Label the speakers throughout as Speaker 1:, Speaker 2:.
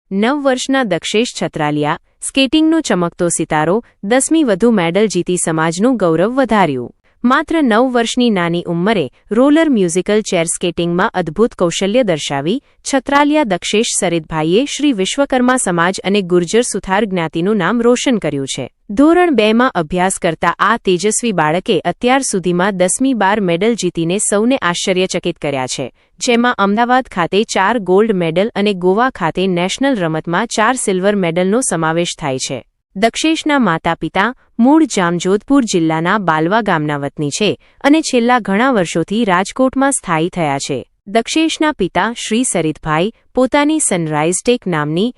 Speaker 1: 9 વર્ષના દક્ષેશ છત્રાલિયા સ્કેટિંગનો ચમકતો સિતારો 10મી વધુ મેડલ જીતી સમાજનું ગૌરવ વધાર્યું। માત્ર 9 વર્ષની નાની ઉંમરે રોલર મ્યુઝિકલ ચેર સ્કેટિંગમાં અદ્ભુત કૌશલ્ય દર્શાવી છત્રાલિયા દક્ષેશ સરિતભાઈએ શ્રી વિશ્વકર્મા સમાજ અને ગુર્જર સુથાર જ્ઞાતિનું નામ રોશન કર્યું છે। ધોરણ 2માં અભ્યાસ કરતા આ તેજસ્વી બાળકે અત્યાર સુધીમાં 10મી 12 મેડલ જીતીને સૌને આશ્ચર્યચકિત કર્યા છે, જેમાં અમદાવાદ ખાતે 4 ગોલ્ડ મેડલ અને ગોવા ખાતે નેશનલ રમતમાં 4 સિલ્વર મેડલનો સમાવેશ થાય છે। દક્ષેશના માતા-પિતા મૂળ જામજોધપુર જિલ્લાના બાલવા ગામના વતની છે અને છેલ્લા ઘણા વર્ષોથી રાજકોટમાં સ્થાયી થયા છે। દક્ષેશના પિતા શ્રી સરિતભાઈ પોતાની સનરાઇઝ ટેક નામની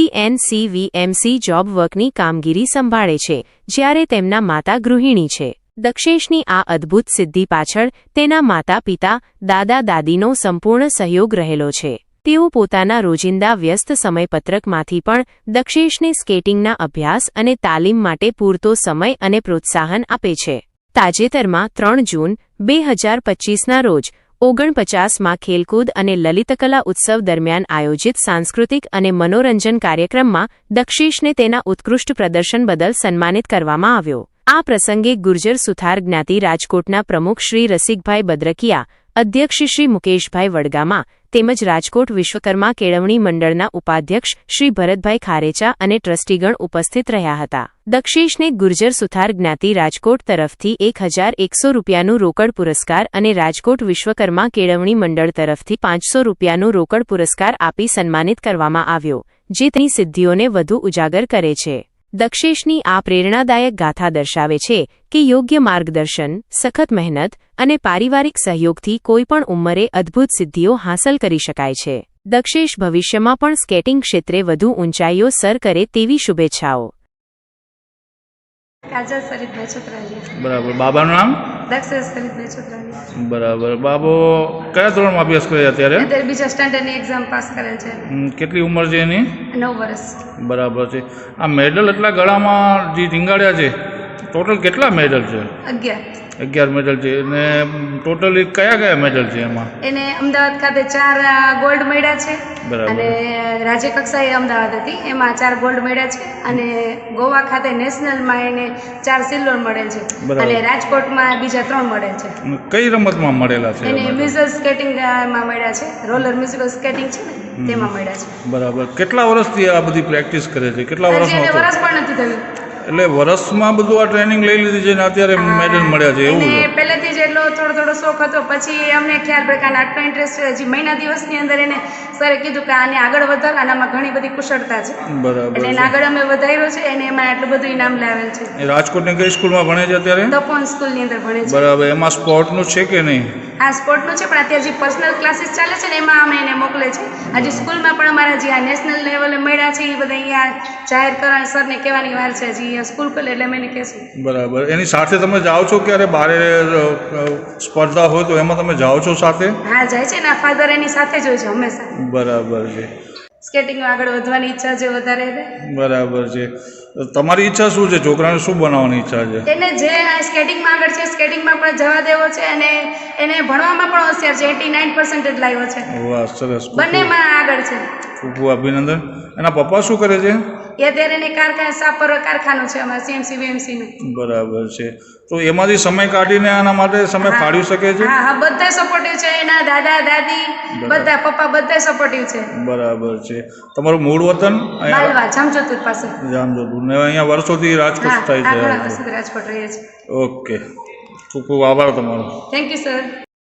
Speaker 1: CNCVMC જોબ વર્કની કામગીરી સંભાળે છે, જ્યારે તેમના માતા ગૃહિણી છે। દક્ષેશની આ અદ્ભુત સિદ્ધિ પાછળ તેના માતા-પિતા દાદા-દાદીનો સંપૂર્ણ સહયોગ રહેલો છે। તેઓ પોતાના રોજિંદા વ્યસ્ત સમયપત્રકમાંથી પણ દક્ષેશને સ્કેટિંગના અભ્યાસ અને તાલીમ માટે પૂરતો સમય અને પ્રોત્સાહન આપે છે। તાજેતરમાં 3 જૂન 2025ના રોજ 49માં ખેલકૂદ અને લલિતકલા ઉત્સવ દરમિયાન આયોજિત સાંસ્કૃતિક અને મનોરંજન કાર્યક્રમમાં દક્ષેશને તેના ઉત્કૃષ્ટ પ્રદર્શન બદલ સન્માનિત કરવામાં આવ્યો। આ પ્રસંગે ગુર્જર સુથાર જ્ઞાતિ રાજકોટના પ્રમુખ શ્રી રસિકભાઈ બદ્રકિયા, અધ્યક્ષ શ્રી મુકેશભાઈ વડગામા તેમજ રાજકોટ વિશ્વકર્મા કેળવણી મંડળના ઉપાધ્યક્ષ શ્રી ભરતભાઈ ખારેચા અને ટ્રસ્ટીગણ ઉપસ્થિત રહ્યા હતા। દક્ષેશને ગુર્જર સુથાર જ્ઞાતિ રાજકોટ તરફથી 1100 રૂપિયાનું રોકડ પુરસ્કાર અને રાજકોટ વિશ્વકર્મા કેળવણી મંડળ તરફથી 500 રૂપિયાનું રોકડ પુરસ્કાર આપી સન્માનિત કરવામાં આવ્યો, જે તેની સિદ્ધિઓને વધુ ઉજાગર કરે છે। દક્ષેશની આ પ્રેરણાદાયક ગાથા દર્શાવે છે કે યોગ્ય માર્ગદર્શન, સખત મહેનત અને પારિવારિક સહયોગથી કોઈપણ ઉંમરે અદ્ભુત સિદ્ધિઓ હાંસલ કરી શકાય છે। દક્ષેશ ભવિષ્યમાં પણ સ્કેટિંગ ક્ષેત્રે વધુ ઊંચાઈઓ સર કરે તેવી શુભેચ્છાઓ।
Speaker 2: બરાબર। બાબાનું નામ?
Speaker 3: દક્ષેશ સરિતભાઈ છત્રાલિયા।
Speaker 2: બરાબર। બાબો કયા ધોરણમાં અભ્યાસ કરે અત્યારે?
Speaker 3: અત્યારે બીજા સ્ટાન્ડર્ડની એક્ઝામ પાસ કરેલ છે।
Speaker 2: કેટલી ઉંમર છે એની?
Speaker 3: 9 વર્ષ।
Speaker 2: બરાબર છે। આ મેડલ એટલા ગળામાં જે ટીંગાડ્યા છે, ટોટલ કેટલા મેડલ છે? 11 મેડલ છે। અને ટોટલી કયા કયા મેડલ છે એમાં? એને
Speaker 3: અમદાવાદ ખાતે 4 ગોલ્ડ મળ્યા છે
Speaker 2: બરાબર।
Speaker 3: અને રાજ્ય કક્ષાએ અમદાવાદ હતી એમાં 4 ગોલ્ડ મળ્યા છે અને ગોવા ખાતે નેશનલમાં એને 4 સિલ્વર મળેલ છે અને રાજકોટમાં બીજા 3 મળેલ છે।
Speaker 2: કઈ રમતમાં મળેલા છે?
Speaker 3: એને મ્યુઝિકલ સ્કેટિંગમાં મળ્યા છે, રોલર મ્યુઝિકલ સ્કેટિંગ છે ને તેમાં મળ્યા છે।
Speaker 2: બરાબર। કેટલા વર્ષથી આ બધી પ્રેક્ટિસ કરે છે? કેટલા વર્ષમાં?
Speaker 3: વર્ષ પણ નથી થયું,
Speaker 2: એટલે વર્ષમાં બધું આ ટ્રેનિંગ લઈ લીધી છે ને અત્યારે મેડલ મળ્યા છે એવું છે?
Speaker 3: પહેલેથી જ એટલો થોડો શોખ હતો, પછી અમને ખ્યાલ પડ્યો કે આટલો ઇન્ટરેસ્ટ છે, હજી મહિના દિવસની અંદર એને સરે કીધું કે આને આગળ વધાર, આનામાં ઘણી બધી કુશળતા છે।
Speaker 2: બરાબર।
Speaker 3: એટલે એને આગળ અમે વધાર્યો છે અને એમાં આટલું બધું ઇનામ લાવેલ છે।
Speaker 2: રાજકોટની કઈ સ્કૂલમાં ભણે છે અત્યારે?
Speaker 3: તપોન સ્કૂલની અંદર ભણે છે।
Speaker 2: બરાબર। એમાં સ્પોર્ટનું છે કે નહીં?
Speaker 3: હા, સ્પોર્ટનું છે, પણ અત્યારે જે પર્સનલ ક્લાસીસ ચાલે છે ને એમાં અમે એને મોકલે છે। હજી સ્કૂલમાં પણ અમારા જે આ નેશનલ લેવલે મળ્યા છે એ બધા અહીંયા જાહેર કરવા સરને કહેવાની વાર છે, હજી અહીંયા સ્કૂલ ખોલે એટલે અમે એને કહેશું।
Speaker 2: બરાબર। એની સાથે તમે જાઓ છો ક્યારે બારે સ્પર્ધા હોય તો એમાં તમે જાઓ છો સાથે?
Speaker 3: હા, જાય છે ને, ફાધર એની સાથે જ હોય છે હંમેશા।
Speaker 2: બરાબર છે।
Speaker 3: સ્કેટિંગમાં આગળ વધવાની ઈચ્છા છે વધારે।
Speaker 2: બરાબર છે। તમારી ઈચ્છા શું છે? છોકરાને શું બનાવવાની ઈચ્છા છે?
Speaker 3: એને જે સ્કેટિંગમાં આગળ છે સ્કેટિંગમાં પણ જવા દેવો છે અને એને ભણવામાં પણ હોશિયાર છે, 89% લાવ્યો છે। વાહ, સરસ। બંનેમાં આગળ છે।
Speaker 2: ખૂબ ખૂબ અભિનંદન। એના પપ્પા શું કરે છે?
Speaker 3: એ અત્યારે એને કારખાનું છે અમારા CNCVMC નું।
Speaker 2: બરાબર છે। તો એમાંથી સમય કાઢીને આના માટે સમય ફાળવી શકે છે?
Speaker 3: હા, બધા સપોર્ટિવ છે, એના દાદા દાદી બધા, પપ્પા બધા સપોર્ટિવ છે। બરાબર
Speaker 2: છે। તમારું મૂળ વતન?
Speaker 3: બાલવા, જામજોધપુર પાસે।
Speaker 2: જામજોધપુર ને અહીંયા વર્ષોથી રાજકોટ થાય છે?
Speaker 3: વર્ષોથી રાજકોટ રહીએ છીએ।
Speaker 2: ઓકે, ખૂબ ખૂબ આભાર તમારો।
Speaker 3: Thank you sir.